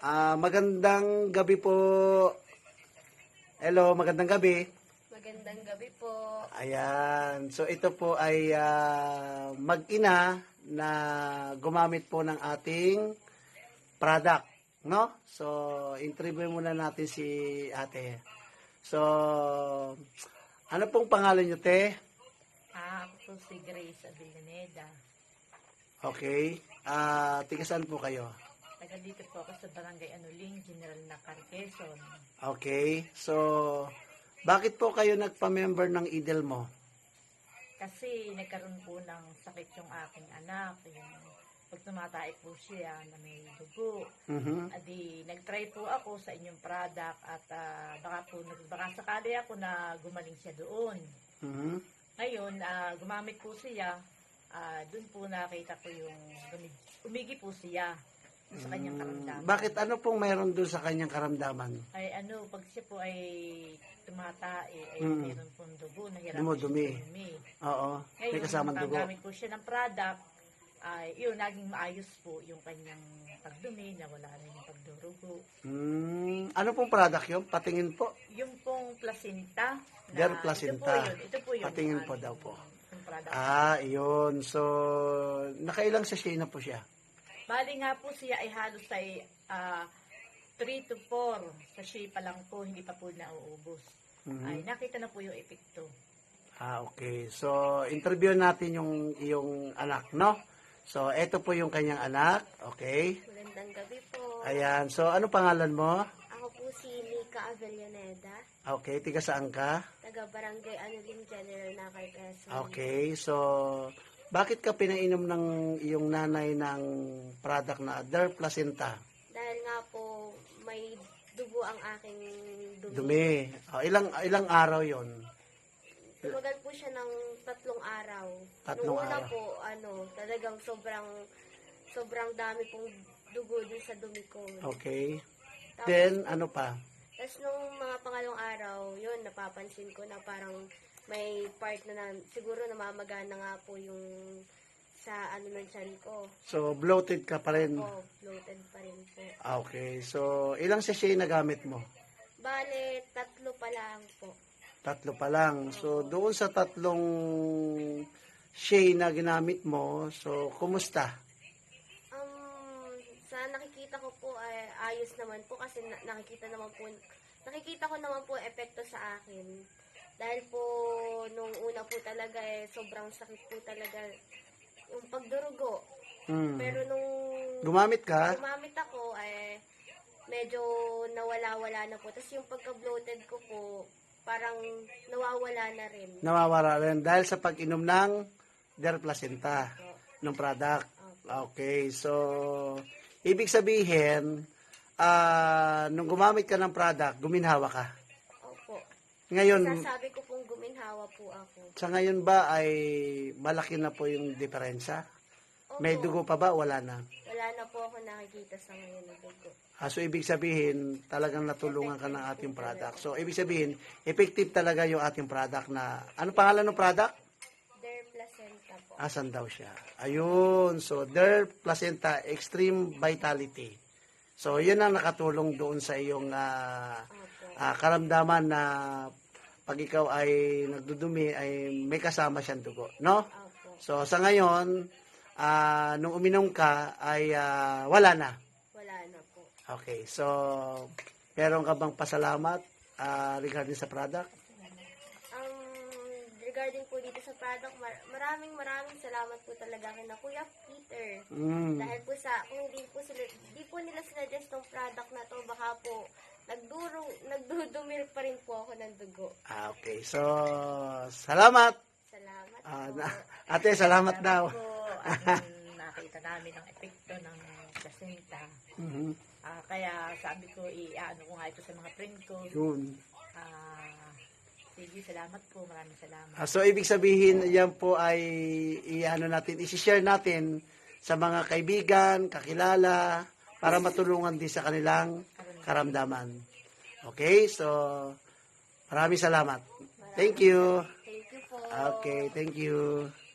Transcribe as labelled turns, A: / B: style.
A: Magandang gabi po. Hello, magandang gabi.
B: Magandang gabi po.
A: Ayan. So ito po ay mag-ina na gumamit po ng ating product, no? So interview muna natin si Ate. So ano pong pangalan niyo, te?
B: Ako po si Grace Avellaneda.
A: Okay. Tiga saan po kayo?
B: Taga dito po ako sa Barangay Anuling, General Nakar, Quezon.
A: Okay. So bakit po kayo nagpa-member ng IDEL mo?
B: Kasi nagkaroon po ng sakit yung aking anak. Yung pag tumatay po siya na may dugo. Adi, nag-try po ako sa inyong product at baka sakali ako na gumaling siya doon. Ngayon, gumamit po siya. Doon po nakita ko yung umigi po siya sa kanyang karamdaman.
A: Bakit ano pong meron doon sa kanyang karamdaman?
B: Ay pag siya po ay tumatae, ay meron pong dugo, nahirapan
A: Dumudumi.
B: siya dumi.
A: Oo. May
B: Ngayon,
A: kasamang dugo.
B: gamit po siya ng product, ay naging maayos po yung kanyang pagdumi, nawala na yung pagdurugo.
A: Ano pong product yun? Patingin po.
B: Yung pong placenta.
A: Der placenta.
B: Ito po yun.
A: Patingin po daw po.
B: Yung product.
A: Yun. So, nakailang sachet na po siya?
B: Bali nga po siya ay halos ay 3 to 4 sachet pa lang po, hindi pa po nauubos. Ay nakita na po yung epekto.
A: Okay. So, interview natin yung iyong anak, no? So, eto po yung kanyang anak. Okay.
C: Magandang gabi po.
A: Ayan. So, ano pangalan mo?
C: Ako po si Nika Avellaneda,
A: Okay. Tiga saan ka?
C: taga Barangay Anuling, General Nakar, Quezon.
A: Okay. So, bakit ka pinainom ng iyong nanay ng product na Der Placenta?
C: Dahil nga po may dugo ang aking dumi.
A: Dumi. Ilang araw yon?
C: Tumagal po siya ng 3 araw.
A: Tatlong
C: Nung una
A: araw.
C: po, talagang sobrang dami pong dugo dun sa dumi ko.
A: Okay.
C: Tapos,
A: Then, ano pa?
C: Tapos nung mga pangalawang araw, yun, napapansin ko na parang may part na siguro namamagana nga po yung sa ng tiyan ko.
A: So, bloated ka pa rin.
C: Opo, bloated pa rin po.
A: Okay. So, ilang sachet na gamit mo?
C: Bale, 3 pa lang po.
A: 3 pa lang. So, doon sa 3 sachet na ginamit mo, so, kumusta?
C: Sa nakikita ko po ay ayos naman po kasi nakikita ko naman po epekto sa akin. Dahil po nung una po talaga sobrang sakit po talaga yung pagdurugo. Pero nung
A: Gumamit ka?
C: gumamit ako medyo nawala-wala na po. Tapos yung pagka-bloated ko po parang nawawala na rin.
A: Nawawala rin dahil sa pag-inom ng Der Placenta ng product. Okay. So, ibig sabihin, nung gumamit ka ng product, guminhawa ka.
C: Opo.
A: Ngayon,
C: Sasabi ko pong guminhawa po ako.
A: sa ngayon ba ay malaki na po yung diferensya?
C: Opo.
A: May dugo pa ba? Wala na.
C: Wala na po ako nakikita sa ngayon na dugo.
A: So, ibig sabihin, talagang natulungan ka ng ating product. So, ibig sabihin, effective talaga yung ating product na, ano pangalan ng product?
C: Der placenta po.
A: Asan daw siya? Ayun. So, Der Placenta Extreme Vitality. So, yun ang nakatulong doon sa iyong karamdaman na pag ikaw ay nagdudumi, ay may kasama siyang dugo. No?
C: Opo.
A: So, sa ngayon, nung uminom ka, ay wala na.
C: Wala na po.
A: Okay. So, meron ka bang pasalamat regarding sa product?
C: Regarding po dito sa product, maraming salamat po talaga kay na Kuya Peter. Dahil po kung hindi po nila sinuggest tong product na to, baka po nagdudumil pa rin po ako ng dugo.
A: Okay. So, salamat.
C: Salamat po.
A: Ate, salamat daw.
B: Po, nakita namin ang epekto ng placenta. Kaya sabi ko, i-ano ko nga ito sa mga friend ko.
A: Yun.
B: Sige, salamat po. Maraming salamat.
A: So, ibig sabihin, yan po ay isi-share natin sa mga kaibigan, kakilala, para matulungan din sa kanilang karamdaman. Okay? So, maraming salamat. Thank you.
C: Thank you po.
A: Okay, thank you.